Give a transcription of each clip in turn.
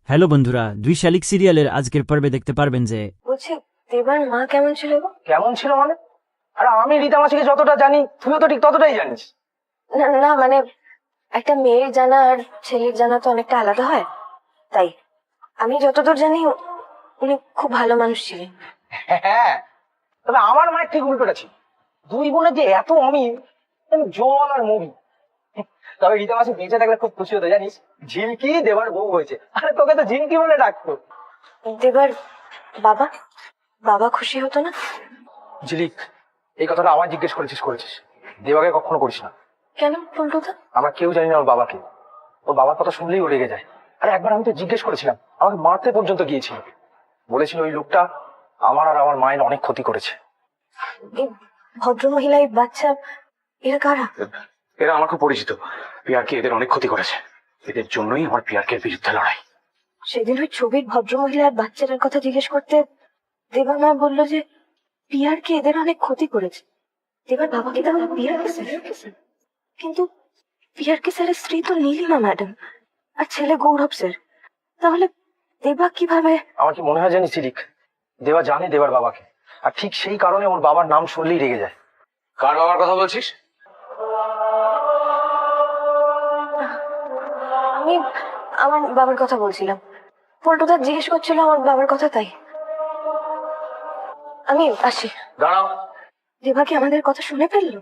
Hello বন্ধুরা, দুই শালিক সিরিয়ালের আজকের পর্বে দেখতে পারবেন যে বলছি দেবার মা কেমন ছিল গো? কেমন ছিল মানে? আরে আমি রীতা মাসিকে যতটা জানি তুইও তো ঠিক ততটাই জানিস। না না, মানে একটা মেয়ের জানা আর ছেলের জানা তো অনেকটা আলাদা হয়, তাই আমি যতদূর জানি উনি খুব ভালো মানুষ ছিলেন। হ্যাঁ, তবে আমার মায়ের ঠিক উল্টোটা ছিল। দুই বোনের যে এত অমিল, জল আর মুড়ি। তবে রীতা মাসি বেঁচে থাকলে খুব খুশি হতো জানিস, ঝিলকি দেবার বউ হয়েছে। আরে তোকে তো ঝিলকি বলে ডাকতো। দেবার বাবা বাবা খুশি হতো না? ঝিলিক, এই কথাটা আমার জিজ্ঞেস করেছিস, দেবাকে কখনো করিস না। কেন পল্টুদা? আমরা কেউ জানি না ওর বাবাকে। ওর বাবার কথা শুনলেই ও রেগে যায়। আরে একবার আমি তো জিজ্ঞেস করেছিলাম, আমাকে মারতে পর্যন্ত গিয়েছিল। বলেছিল ওই লোকটা আমার আর আমার মায়ের অনেক ক্ষতি করেছে। এই ভদ্রমহিলা, এই বাচ্চা, এরা কারা? এরা আমার খুব পরিচিত। পিয়ারকে এদের অনেক ক্ষতি করেছে, এদের জন্যই আমার পিয়ারকের বিরুদ্ধে লড়াই। সেদিন ওই ছবির ভদ্রমহিলা আর বাচ্চাটার কথা জিজ্ঞেস করতে দেবা মা বললো যে পিয়ারকে এদের অনেক ক্ষতি করেছে। দেবার বাবাকে তাহলে পিয়ারকে স্যার, কিন্তু পিয়ারকে স্যারের স্ত্রী তো নীলিমা ম্যাডাম আর ছেলে গৌরব স্যার, তাহলে দেবা কিভাবে? আমার কি মনে হয় জানিস ঝিলিক, দেবা জানে দেবার বাবাকে, আর ঠিক সেই কারণে ওর বাবার নাম শুনলেই রেগে যায়। কার বাবার কথা বলছিস? আমি আমার বাবার কথা বলছিলাম। পল্টুদা জিজ্ঞেস করছিল আমার বাবার কথা, তাই আমি আসি। দাঁড়াও, দেবা কি আমাদের কথা শুনে ফেললো?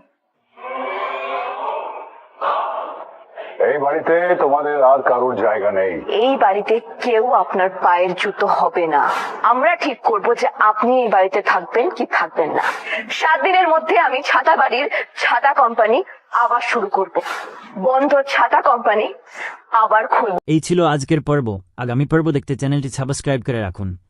এই বাড়িতে তোমাদের আর কারোর জায়গা নেই। এই বাড়িতে কেউ আপনার পায়ের জুতো হবে না। আমরা ঠিক করব যে আপনি এই বাড়িতে থাকবেন কি থাকবেন না। 7 দিনের মধ্যে আমি ছাতা বাড়ির ছাতা কোম্পানি আবার শুরু করব। বন্ধ ছাতা কোম্পানি আবার খুলব। এই ছিল আজকের পর্ব। আগামী পর্ব দেখতে চ্যানেলটি সাবস্ক্রাইব করে রাখুন।